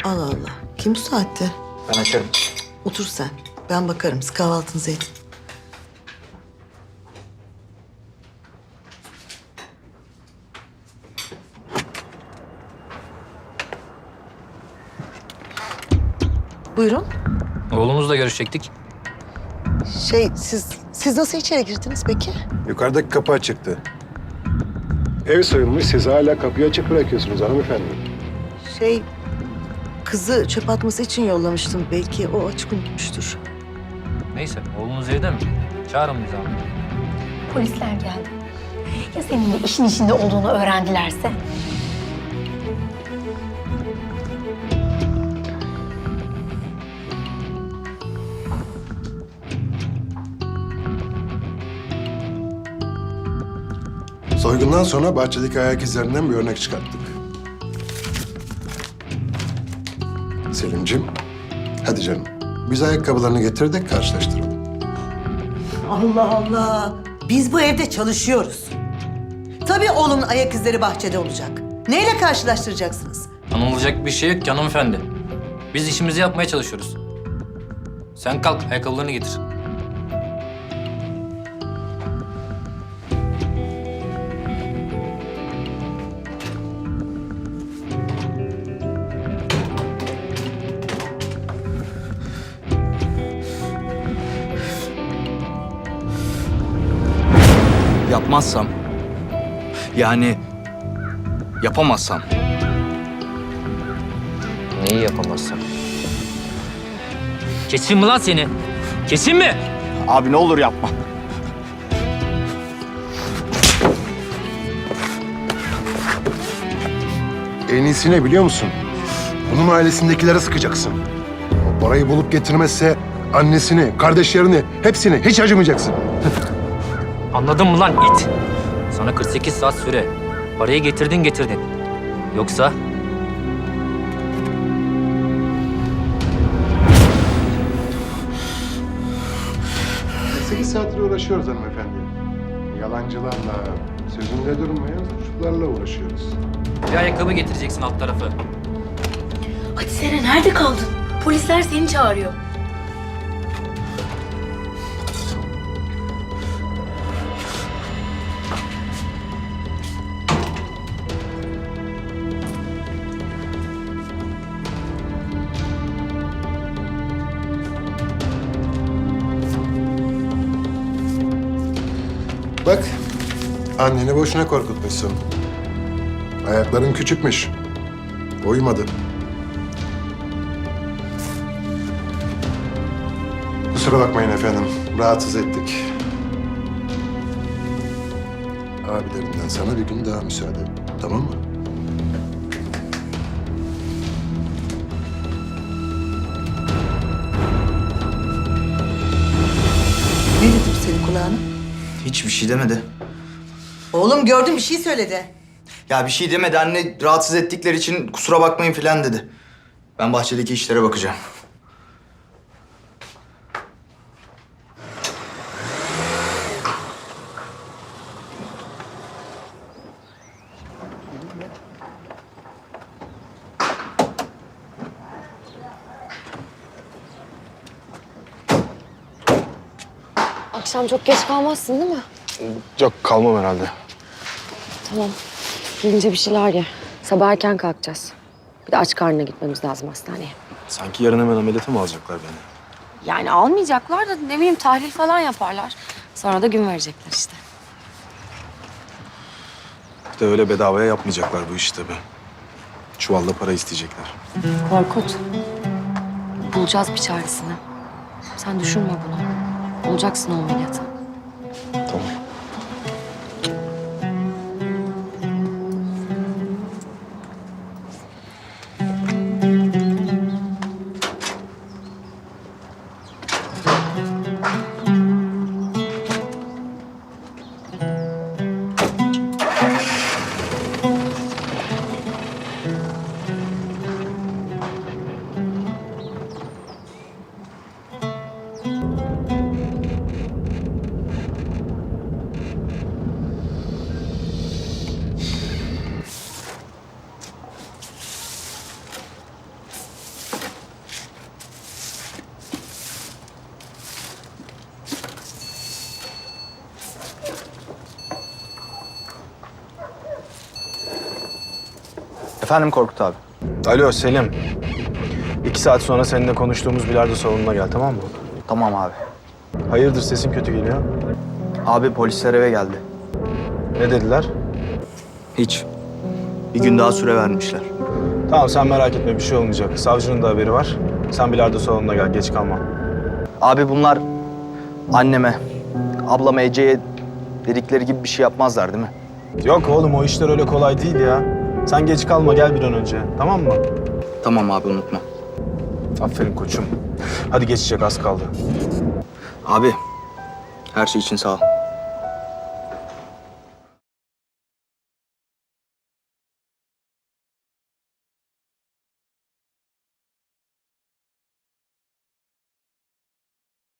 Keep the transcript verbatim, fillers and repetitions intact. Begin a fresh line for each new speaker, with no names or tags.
Allah Allah. Kim bu saatte?
Ben açarım.
Otur sen. Ben bakarım. Siz kahvaltınızı edin. Buyurun.
Oğlumuzla görüşecektik.
Şey siz siz nasıl içeri girdiniz peki?
Yukarıdaki kapı açıktı. Ev soyulmuş, siz hala kapıyı açık bırakıyorsunuz hanımefendi.
Şey kızı çöp atması için yollamıştım. Belki o açık unutmuştur.
Neyse, oğlumuz evde mi? Çağırın bizi abi.
Polisler geldi. Ya senin de işin içinde olduğunu öğrendilerse?
Soygundan sonra bahçedeki ayak izlerinden bir örnek çıkarttık. Selimciğim, hadi canım. Biz ayakkabılarını getirdik, karşılaştıralım.
Allah Allah. Biz bu evde çalışıyoruz. Tabii oğlumun ayak izleri bahçede olacak. Neyle karşılaştıracaksınız?
Anılacak bir şey yok ki hanımefendi. Biz işimizi yapmaya çalışıyoruz. Sen kalk, ayakkabılarını getir.
Yapmazsam, yani yapamazsam.
Neyi yapamazsın? Kesin mi lan seni? Kesin mi?
Abi ne olur yapma.
En iyisi ne biliyor musun? Bunun ailesindekilere sıkacaksın. O parayı bulup getirmezse annesini, kardeşlerini, hepsini hiç acımayacaksın.
Anladın mı lan it? Sana kırk sekiz saat süre. Parayı getirdin getirdin. Yoksa
Sekiz saattir uğraşıyoruz hanımefendi. Yalancılarla, sözünde durmayan suçlularla uğraşıyoruz.
bir ayakkabı getireceksin alt tarafı.
Hadi Seren, nerede kaldın? Polisler seni çağırıyor.
Bak, anneni boşuna korkutmuşsun. Ayakların küçükmüş. Uyumadı. Kusura bakmayın efendim, rahatsız ettik. Abilerinden sana bir gün daha müsaade, tamam mı?
Ne dedim senin kulağına?
Hiçbir şey demedi.
Oğlum gördüm bir şey söyledi.
Ya bir şey demedi anne, rahatsız ettikleri için kusura bakmayın falan dedi. Ben bahçedeki işlere bakacağım.
Akşam çok geç kalmazsın değil mi?
Yok, kalmam herhalde.
Tamam. Gelince bir şeyler ye. Sabah erken kalkacağız. Bir de aç karnına gitmemiz lazım hastaneye.
Sanki yarın hemen ameliyata mı alacaklar beni?
Yani almayacaklar da ne bileyim tahlil falan yaparlar. Sonra da gün verecekler işte.
Bir de öyle bedavaya yapmayacaklar bu işi tabii. Çuvalla para isteyecekler.
Korkut. Bulacağız bir çaresini. Sen düşünme bunu. Olacaksın o ameliyata.
Tamam.
Efendim Korkut abi.
Alo Selim. İki saat sonra seninle konuştuğumuz bilardo salonuna gel, tamam mı?
Tamam abi.
Hayırdır, sesin kötü geliyor?
Abi polisler eve geldi.
Ne dediler?
Hiç. Bir gün daha süre vermişler.
Tamam, sen merak etme, bir şey olmayacak. Savcının da haberi var. Sen bilardo salonuna gel, geç kalma.
Abi bunlar anneme, ablama Ece'ye dedikleri gibi bir şey yapmazlar değil mi?
Yok oğlum, o işler öyle kolay değil ya. Sen geç kalma, gel bir an önce, tamam mı?
Tamam abi unutma.
Aferin koçum. Hadi geçecek, az kaldı.
Abi her şey için sağ ol.